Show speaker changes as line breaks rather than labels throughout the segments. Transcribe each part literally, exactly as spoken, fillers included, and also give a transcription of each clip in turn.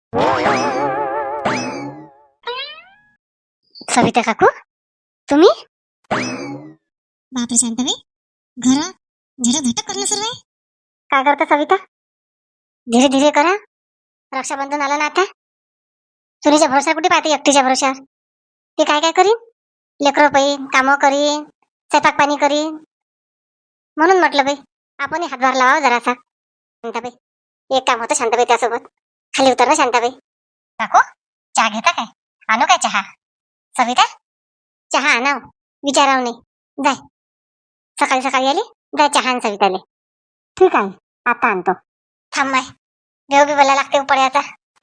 सविता काकू, तुम्ही?
बापरे शांताबाई, घर झेडा झटक करणं सुरू आहे.
काय करता सविता? धीरे धीरे करा. रक्षाबंधन आलं ना आता. सुनीच्या भरोसा कुठे पाहते एकटीच्या भरोशावर? ते काय काय करीन? लेकरं पाहिन, कामं करीन, स्वयंपाक पाणी करीन. म्हणून म्हटलं बाई आपण हातभार लावा जरासा. शांताबाई, एक काम होतं शांताबाई त्यासोबत. खाली उतर ना शांताबाई. काकू, चहा घेता काय? आणू काय चहा? सविता, चहा आणाव, विचाराव नाही. जाय, सकाळी सकाळी आली, जाय चहा आण सविताले. ठीक आहे, आता आणतो. थांब बाय, देव बी बोलायला लागते उपड्याचा.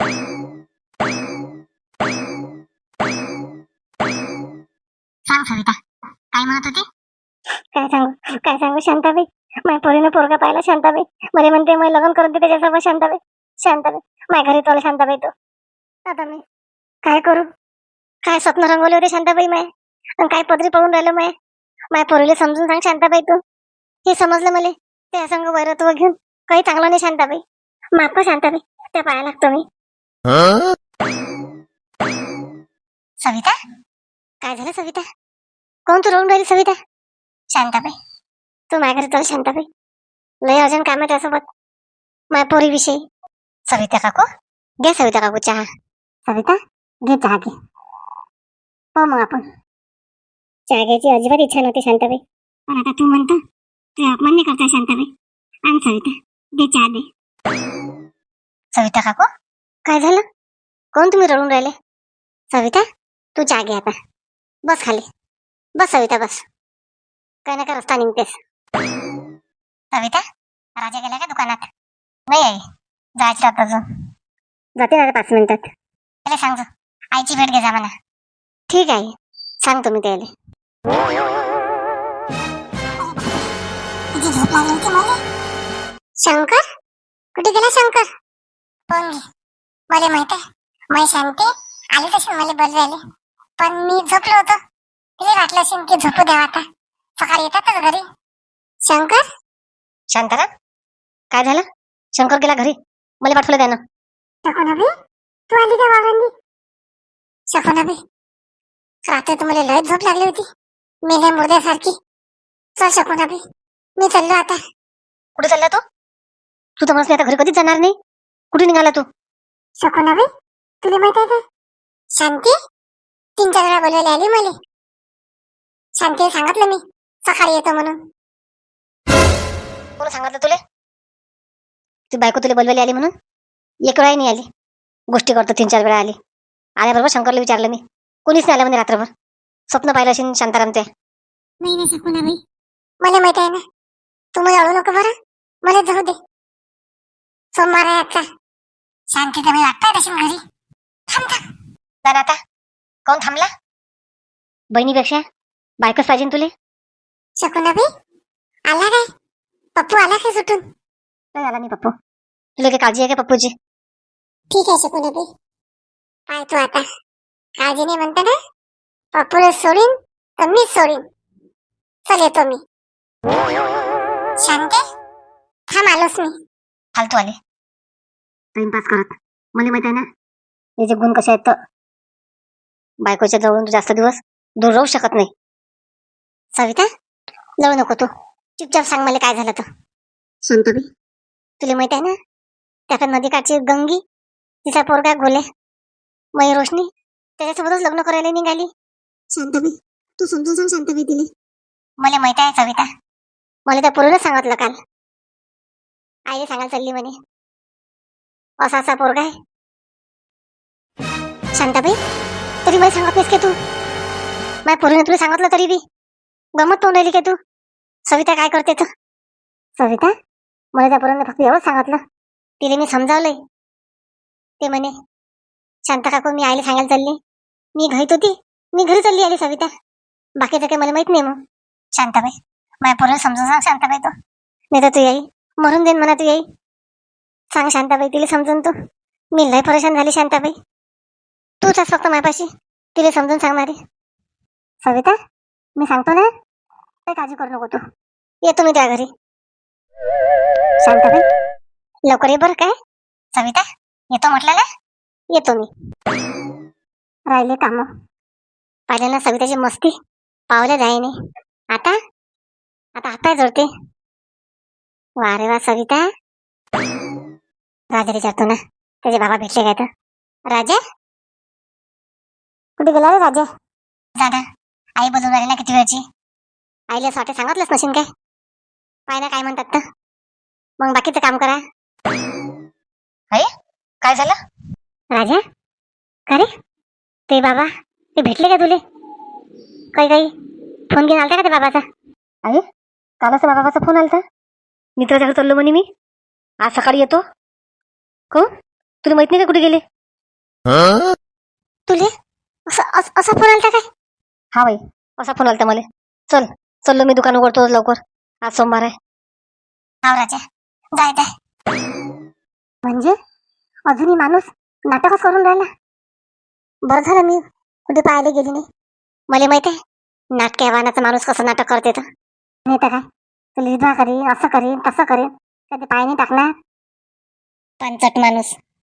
सांग सविता, काय म्हणत होती? काय सांगू काय सांगू शांताबाई, माझ्या पोरीनं पोरगा पाहिला शांताबाई. मला म्हणते मग लग्न करून दे त्याच्यासोबत शांताबाई. शांताबाई, माझ्या घरी तोला शांताबाई तो. आता मी काय करू? काय स्वप्न रंगवले होते शांताबाई माय, आणि काय पदरी पळून राहिलं माय. माझ्या पोरीला समजून सांग शांताबाई तू. हे समजलं मला, त्या संग वैरत्व घेऊन काही चांगलं नाही शांताबाई. माफ शांताबाई, त्या पाया लागतो मी. सविता, काय झालं सविता? कोण तू रडून राहिली सविता? शांताबाई, तू माझ्या घरी चल शांताबाई. लय अर्जंट काम आहे त्यासोबत माझ्या पोरी विषयी. सविता काकू, घे सविता काकू चहा. सविता, घे चहा घे. हो मग आपण चहा घ्यायची अजिबात इच्छा नव्हती शांताबाई, पण आता तू म्हणतो ते अपमान नाही करता शांताबाई. आण सविता, घे चहा दे. सविता काकू, काय झालं? कोण तुम्ही रडून राहिले? सविता, तू चहा घे आता. बस खाली बस सविता, बस. काय नका रस्ता निघतेस. सविता, राजा गेला का दुकानात? नाही आई, जायचं आता अजून. जाते ना पाच मिनिटात. त्याला सांग आईची भेट घे जा म्हणा. ठीक आहे, सांगतो मी त्याला.
झोप लागली होती मला.
शंकर कुठे गेला? शंकर
पण मला माहित आहे, मी शांती आली तशी मला बोलवायला, पण मी झोपलो होतो. तिला वाटलं असेल की झोपू द्यावा, आता सकाळी येतातच घरी.
शंकर, शांताराम, काय झालं? शंकर गेला घरी, मला पाठवलं त्यानं.
शकुनाबाई, तू आली का वावरांनी? शकुनाबाई, रात्री तुम्हाला लय झोप लागली होती, मेल्या मुर्द्यासारखी. चल शकुनाबाई, मी चाललो आता.
कुठे चालला तू? तू तर म्हणस आता घरी कधीच जाणार नाही. कुठे निघाला तू?
शकुनाबाई, तुला माहित आहे का, शांती तीन चार वेळा बोलवायला आली मला. शांती सांगितलं मी सकाळी येतो म्हणून.
कोण सांगितलं तुला? ती बायको तुला बोलवायला आली म्हणून? एक वेळा नाही आली, गोष्टी करतो तीन चार वेळा आली. आल्याबरोबर शंकरला विचारलं मी, कोणीच नाही आलं म्हणे रात्रभर. स्वप्न पाहिलं असेल शांताराम ते.
नाही नाही शकुनाबाई, मला माहित आहे ना. तुम्ही अळू नको बरं, मला जाऊ दे. सोमवार आहे आजचा. शांती तर मी वाटताय तशी घरी. थांब थांब.
जाण आता. कोण थांबला? बहिणीपेक्षा बायकोच पाहिजे तुले.
शकुनाबाई, आला काय? पप्पू आला काय सुटून?
काय आला नाही पप्पू. तुला काही काळजी आहे का पप्पूची?
ठीक आहे शकुनाबाई, पाय तू आता. काळजी नाही म्हणता ना, पप्पूला सोडीन तर मीच सोडीन. चल येतो मी. शांती, थांब आलोच मी.
फालतू आले टाइमपास करत. मला माहित आहे ना याचे गुण कसे आहेत. तर बायकोच्या जवळून तू जास्त दिवस दूर राहू शकत नाही. सविता, जवळ नको तू, चुपचाप सांग मला काय झालं तर. शांताबाई, तुला माहित आहे ना त्या नदीकाठची गंगी, तिचा पोरगा गोले, मयी रोशनी, त्याच्यासोबतच लग्न करायला निघाली.
शांताबाई, तू समजून सांग शांताबाई तिला.
मला माहित आहे सविता, मला त्या पोरीनं सांगितलं काल. आईने सांगायला चालली म्हणे असा असा पोरगा आहे. शांताबाई, तरी मला सांगत नाहीस का तू? माझ्या पोरीने तुला सांगितलं तरी बी गमत पाहून राहिली का तू? सविता काय करते तर? सविता, मला त्या पोरांना फक्त एवढंच सांगितलं, तिला मी समजावलंय. ते म्हणे शांता काकू मी आईला सांगायला चालली, मी घरीत होती, मी घरी चालली आली सविता. बाकीचं काही मला माहित नाही. मग शांताबाई, माझ्या पोराला समजून सांग शांताबाई तो, नाही तर तू येई मरून देईन म्हणा. तू येई सांग शांताबाई तिला समजून. तू मी लय परेशान झाली शांताबाई, तूच फक्त माझ्यापाशी तिला समजून सांगणारी. सविता, मी सांगतो ना, काही काळजी करू नको तू. येतो मी त्या घरी. शांताबाई, लवकर ये बरं. काय सविता, येतो म्हटलं ना. येतो मी. राहिले काम. पाहिलं ना सविताची मस्ती, पावल्या जाईने. आता आता हातपाय जोडते. वा रे वा सविता. राजा विचारतो ना त्याचे बाबा भेटले काय तर. राजा कुठे गेला रे राजा? दादा आई बोलून राहिली ना किती वेळची. आईला असं वाटते सांगितलंच नशीन काय. पाय ना काय म्हणतात तर. मग बाकीचं काम करा. आई काय झालं? राजा का रे ते बाबा ते भेटले का तुले? काही काही फोन घेऊन आलता का ते बाबाचा? आई कालच बाबाचा फोन आलता. मित्राच्या घरी चाललो म्हणे मी, आज सकाळी येतो. कोण तुला माहित नाही का कुठे गेले? तुले असं अस- असा फोन आलता काय? हा बाई असा फोन आलता मला. चल चललो मी दुकान उघडतो लवकर, आज सोमवार आहे. हा राजा जाय जाय. म्हणजे अजूनही माणूस नाटकच करून राहिला. बरं झालं मी कुठे पाहायला गेली नाही. मला माहित आहे नाटक्या वाहनाचा माणूस कसं नाटक करते तर. नाही तर काय तुला विधवा करीन, असं करीन तसं करीन, कधी पाय नाही टाकणार. पंचट माणूस.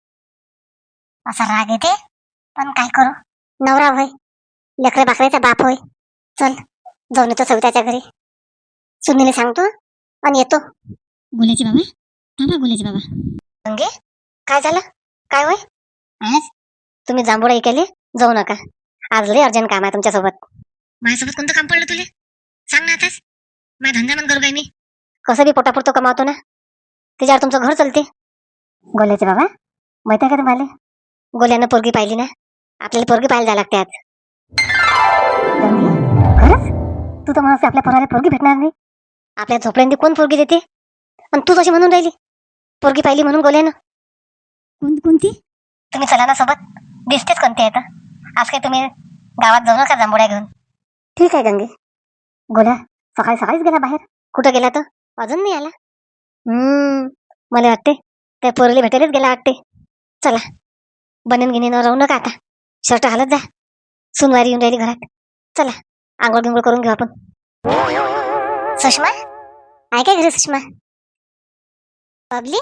असा राग येते पण काय करू, नवरा होय, लेकरे बाकरेचा बाप होय. चल जाऊन येतो सविताच्या घरी. सुनीला सांगतो आणि येतो. गुलेची बाबा थांबा, गुलेची बाबा. गंगे काय झालं? काय होय? आज तुम्ही जांभूळा ऐकायले जाऊ नका. आज लय अर्जंट काम आहे तुमच्यासोबत. माझ्यासोबत कोणतं काम पडलं तुले? सांग ना आताच. माझा धंदा मन करू काय मी. कसं बी पोटापुरतो कमावतो ना, त्याच्यावर तुमचं घर चालते. गोल्याचे बाबा माहिती आहे का तुम्हाला, गोल्यानं पोरगी पाहिली ना, आपल्याला पोरगी पाहायला जायला लागते आज. गंगे, खरंच तू तर म्हणून आपल्या पोराला पोरगी भेटणार नाही. आपल्या झोपड्यांनी कोण पोरगी देते? आणि तू कशी म्हणून राहिली पोरगी पाहिली म्हणून गोल्यानं? कोण कोणती? तुम्ही चला ना सोबत, दिसतेच कोणती आहे तर. आज काही तुम्ही गावात जाऊ नका जांभोळ्या घेऊन. ठीक आहे गंगे. गोल्या सकाळी सकाळीच गेला बाहेर. कुठं गेला तर अजून नाही आला. हम्म मला वाटते त्या पोरीला भेटायलाच गेला वाटते. चला बनन गिनीनं राहू नका आता, शर्ट घालत जा. सुनवारी येऊन राहिली घरात. चला आंघोळ गिंघोळ करून घेऊ आपण. सुषमा आहे काय घरी? सुषमा बबली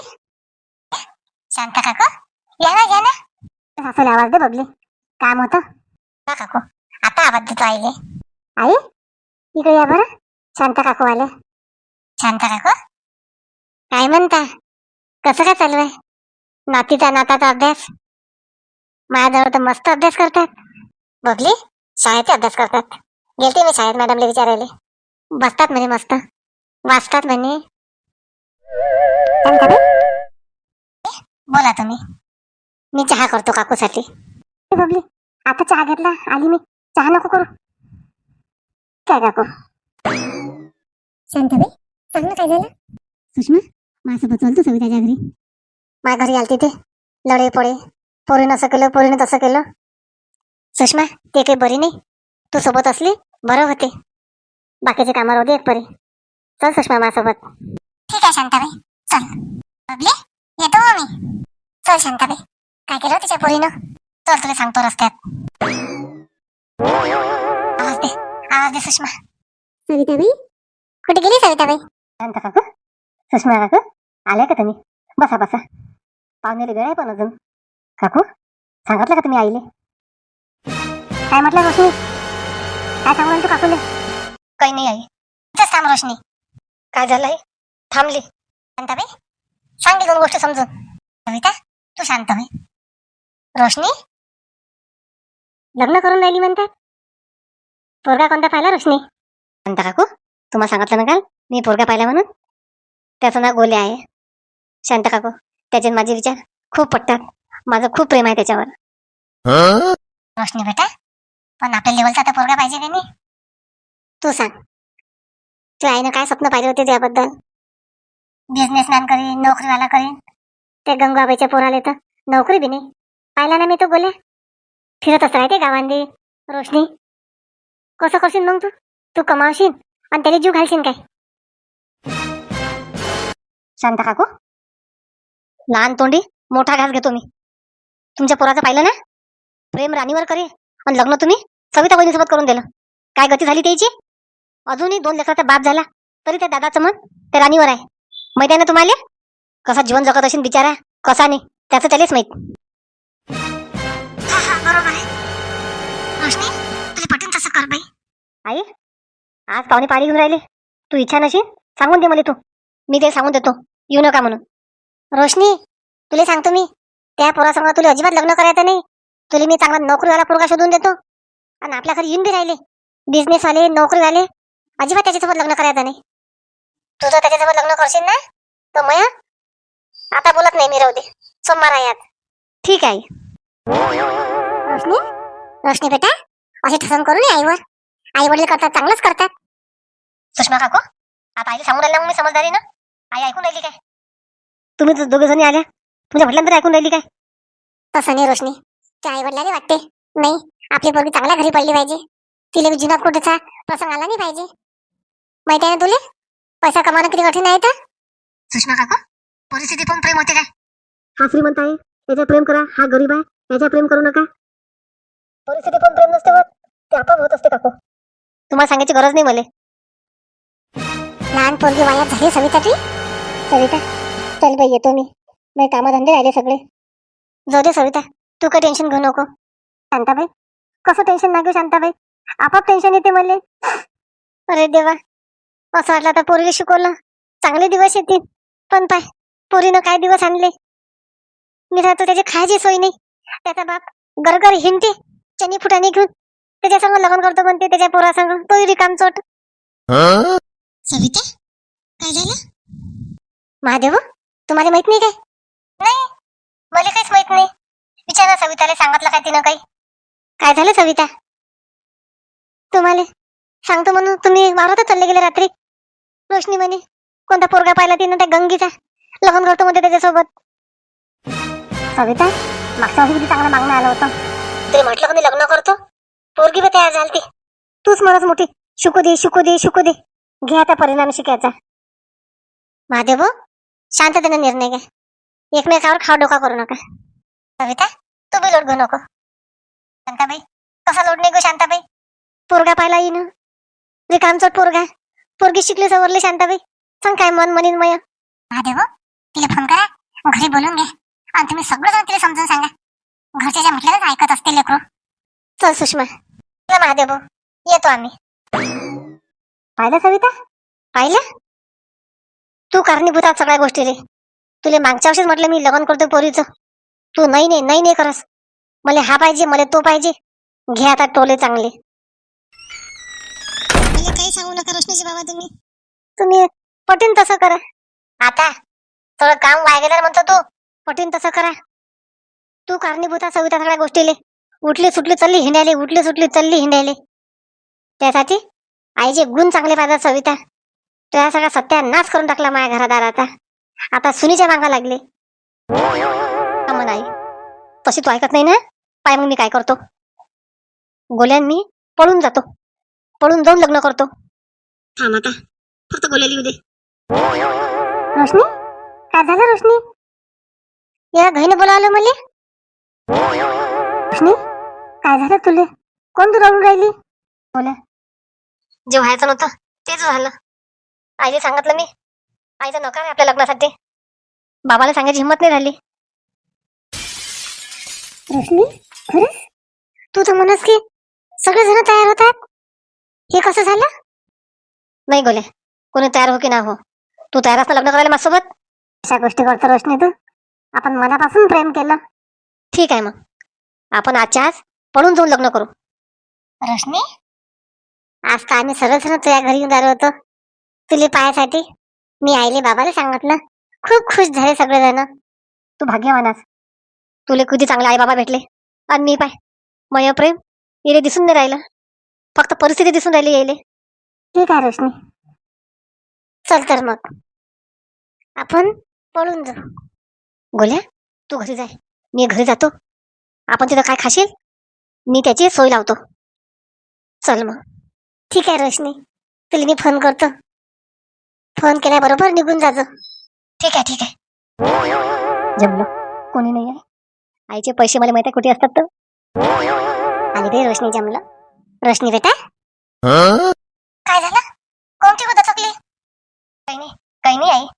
शांता काकू या ना या ना. सासूला आवाज दे बबली, काम होतं. का काकू आता आवाज देतो आईले. आई इकडे या बरं. शांता काकू आले. शांता काकू काय म्हणता, कसं काय चालू आहे नातीचा नाताचा अभ्यास? माझ्याजवळ तर मस्त अभ्यास करतात. बबली शाळेचा अभ्यास करतात. गेलते मी शाळेत मॅडमला विचारायले. बसतात म्हणे मस्त, वाचतात म्हणे. बोला तुम्ही, मी चहा करतो काकूसाठी. बबली आता चहा घेतला आली मी, चहा नको करू काय काकू? शांताबाई सांग ना काय झालं? सुषमा माझ्यासोबत चालतो सविताच्या घरी. माझ्या घरी आलती ते लढे पडे, पोरीनं असं केलं पोरीनं तसं केलं. सुषमा ते काही बरी नाही, तू सोबत असली बरं होते. बाकीचे कामावर होते एक परी. चल सुषमा माझ्यासोबत. ठीक आहे शांताबाई चल. बबली येतो मी. चल शांताबाई काय केलं तिच्या पोरीनं? चल तुला सांगतो रस्त्यात. आवाज दे आवाज दे सुषमा. सविताबाई कुठे गेली सविताबाई? शांता काकू सुषमा काकू आल्या का तुम्ही? बसा बसा, पाहुणेले वेळ आहे पण अजून. काकू सांगितलं का तुम्ही आईले? काय म्हटलं रोशनी? काय सांगू तू काकूले? काही नाही आई, इथंच थांब रोशनी. काय झालं आई? थांबली. शांताबाई सांगली दोन गोष्ट समजून. कविता तू शांत होय. रोशनी लग्न करून राहिली म्हणतात. पोरगा कोणता पाहिला रोशनी? शांता काकू तुम्हाला सांगितलं ना काल मी पोरगा पाहिला म्हणून. त्याचं नाव गोल्या आहे. शांता काकू त्याचे माझे विचार खूप पटतात. माझं खूप प्रेम आहे त्याच्यावर. रोशनी बेटा पण आपल्या लेवलचा तर पोरगा पाहिजे का नाही? तू सांग तू आईनं काय स्वप्न पाहिले होते त्याबद्दल? बिझनेसमॅन करीन, नोकरीवाला करीन. त्या गंगाबाईच्या पोराले तर नोकरी बी नाही. पाहिला ना मी तो गोल्या फिरतच राहते गावांनी. रोशनी कसं करशील मग तू? तू कमावशील आणि त्याला जीव घालशील काय? शांता काकू लहान तोंडी मोठा घास घेतो मी. तुमच्या पोराचं पाहिलं ना, प्रेम राणीवर करे आणि लग्न तुम्ही सविता बहिणीसोबत करून दिलं. काय गती झाली त्याची? अजूनही दोन लेकराचा बाप झाला तरी त्या दादाचं मन त्या राणीवर आहे. माहिती आहे ना तुम्हाला कसा जीवन जगत असेल बिचारा, कसा नाही त्याचं त्यालाच माहित. आई, आज पाहुणे पाणी घेऊन राहिले. तू इच्छा नशील सांगून दे मला. तू मी ते सांगून देतो येऊ नका म्हणून. रोशनी, तुला सांगतो मी, त्या पोरासंग तुला अजिबात लग्न करायचं नाही. तुला मी चांगला नोकरीवाला पोरगा शोधून देतो. आणि आपल्या घरी येऊन बी राहिले बिझनेसवाले नोकरीवाले, अजिबात त्याच्यासोबत लग्न करायचं नाही. तू जर त्याच्यासोबत लग्न करशील ना तर मया आता बोलत नाही मी, राहू दे, सोमवार आहे आज. ठीक आहे.
रोशनी, रोशनी बेटा, असे ठसन करू नये आईवर. आई वडील करतात चांगलंच करतात.
सुषमा काकू, आता आईला सांगून राहिला मग मी समजदारी ना. आई ऐकून राहिली काय? तुम्ही दोघे जणी आल्या, तुमच्या वडिलांतरी ऐकून राहिली काय?
तसं नाही रोशनी, त्या आई वडिलांनी वाटते नाही आपली पोरगी चांगल्या घरी पडली पाहिजे. तिला बी जुना कुठेचा प्रसंग आला नाही पाहिजे. माहिती आहे ना तुले, पैसा कमावणं किती कठीण आहे तर.
सुषमा काकू, परिस्थिती पण प्रेम होते काय? हा श्रीमंत आहे याच्या प्रेम करा, हा गरीब आहे याच्या प्रेम करू नका. परिस्थिती पण प्रेम नसते होत, ते आपोआप होत असते काकू. तुम्हाला सांगायची गरज नाही मला.
लहान पोरगी वायात झाली सविता ती.
सविता, चल बाई येतो मी. मी कामधंदे राहिले सगळे. जाऊ दे सविता, तू काही टेन्शन घेऊ नको. शांताबाई, कसं टेन्शन नाही घेऊ शांताबाई, आपोआप टेन्शन येते मला. अरे देवा, असं वाटलं आता पोरीला शिकवलं चांगले दिवस येतील, पण पाय पोरीनं काय दिवस आणले. मी राहतो त्याची खायची सोय नाही. त्याचा बाप गरगर हिंडते चनी फुटाने घेऊन, त्याच्या संग लग्न करतो म्हणते, त्याच्या पोरासंग तोही रिकाम चोट. सविता, काय झालं? महादेव, तुम्हाला माहित नाही काय? नाही, मला काहीच माहित नाही. विचारा सविताला, सांगितलं काय तिनं काही? काय झालं सविता? तुम्हाला सांगतो म्हणून तुम्ही वावरातच चालले गेले रात्री. रोशनी म्हणे कोणता पोरगा पाहिला तिनं त्या गंगीचा, लग्न करतो म्हणते त्याच्यासोबत. सविता, मागच्या वर्षी किती चांगलं मागणं आलं होतं. तरी म्हटलं का मी लग्न करतो, पोरगी बी तयार झाली. तूच म्हणत मोठी शिकू दे शिकू दे शिकू दे, घे आता परिणाम शिकायचा. महादेव, शांततेने निर्णय घ्या, एकमेकावर खाव डोका करू नका. सविता, तू बी लोट घेऊ नको. शांताबाई, कसा लोट नाही गो शांताबाई, पोरगा पाहिला येईन, रिकामचोट पोरगा, पोरगी शिकली सवरली. शांताबाई, सांग काय मन म्हणीन मय.
महादेव, तिला फोन करा, घरी बोलून घ्या आणि तुम्ही सगळं जण तिला समजून सांगा. घरच्या ज्या म्हटलं ऐकत असते लेकरू.
चल सुषमा, महादेव, येतो आम्ही. पाहिलं सविता, पाहिलं? तू कारणीभूत आहात सगळ्या गोष्टी रे. तुला मागच्या वर्षीच म्हटलं मी लग्न करतो पोरीचं, तू नाही नाही नाही नाही करस. मला हा पाहिजे, मला तो पाहिजे. घे आता टोले चांगले. मला काही सांगू नका रोशनीची बाबा, तुम्ही तुम्ही पटीन तसं करा. आता थोडं काम वाया गेलं म्हणतो तू, पटीन तसं करा. तू कारणीभूत आहात सविता सगळ्या गोष्टीले. उठली सुटली चालली हिंडायले, उठली सुटली चालली हिंडायले. त्यासाठी आईचे गुण चांगले पाहिजे सविता. त्या सगळा सत्यानाश करून टाकला माझ्या घरादाराचा. आता सुनीच्या मागा लागले. म्हणा आई, तशी तू ऐकत नाही ना. पाय मग मी काय करतो, गोल्यान मी पळून जातो, पळून जाऊन लग्न करतो. थांब आता, फक्त गोल्याला येऊ दे.
रोशनी, काय झालं रोशनी?
या घाईने बोलावलं मला.
रोशनी, काय झालं तुले? कोण तू रडून राहिली?
बोला, जे व्हायचं नव्हतं तेच झालं. आईने सांगितलं मी, आईचा नकार आहे आपल्या लग्नासाठी. बाबाला सांगायची हिंमत नाही झाली.
रोशनी, खरंच?
तू तर म्हणस की सगळे जण तयार होतात, हे कसं झालं? नाही गोल्या, कोणी तयार हो की ना हो, तू तयार असता लग्न करायला माझ्यासोबत?
अशा गोष्टी करतो रोशनी तू? आपण मनापासून प्रेम केलं.
ठीक आहे, मग आपण आजच्या आज पळून जाऊन लग्न करू.
रोशनी,
आज का आम्ही सर्वजण तुझ्या घरी येऊन राहिलो होतो तुले पायासाठी. मी आईले बाबाला सांगितलं, खूप खुश झाले सगळेजण. तू भाग्यवान आहेस, तुले किती चांगले आई बाबा भेटले. आणि मी पाय, मय प्रेम येले दिसून नाही राहिलं, फक्त परिस्थिती दिसून राहिली येले.
ठीक आहे रोशनी,
चल तर मग आपण पळून जाऊ. गोल्या, तू घरी जाय, मी घरी जातो. आपण तिथं काय खाशील मी त्याची सोय लावतो. चल मग. ठीक आहे रोशनी, तुला मी फोन करतो, फोन केल्याबरोबर निघून जाजो. ठीक आहे ठीक आहे. जमलं, कोणी नाही आहे. आईचे पैसे मला माहिती आहे कुठे असतात तर. आणि ते रोशनी जमलं. रोशनी बेटा, काय झालं? कोणती होत चकली? काही नाही काही नाही आई.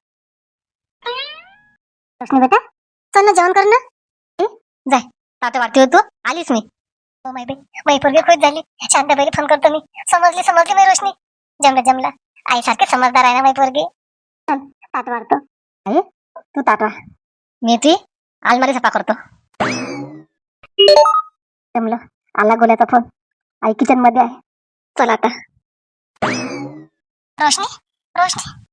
रोशनी बेटा, चल ना जेवण कर ना. जाय, ताटे वाटते होतो, आलीच मी. हो माय बाई, माई पोरगी खुश झाली. शांताबाईला फोन करतो मी. समजली समजली मी रोशनी. जमलं जमलं. आईसारखी समजदार आहे ना माई पोरगी. चल, ताट वाढतो. आई तू ताट वाढ. मी ती अलमारी सफा करतो. जमलं. आला गोल्याचा फोन. आई किचन मध्ये आहे. चल आता. रोशनी रोशनी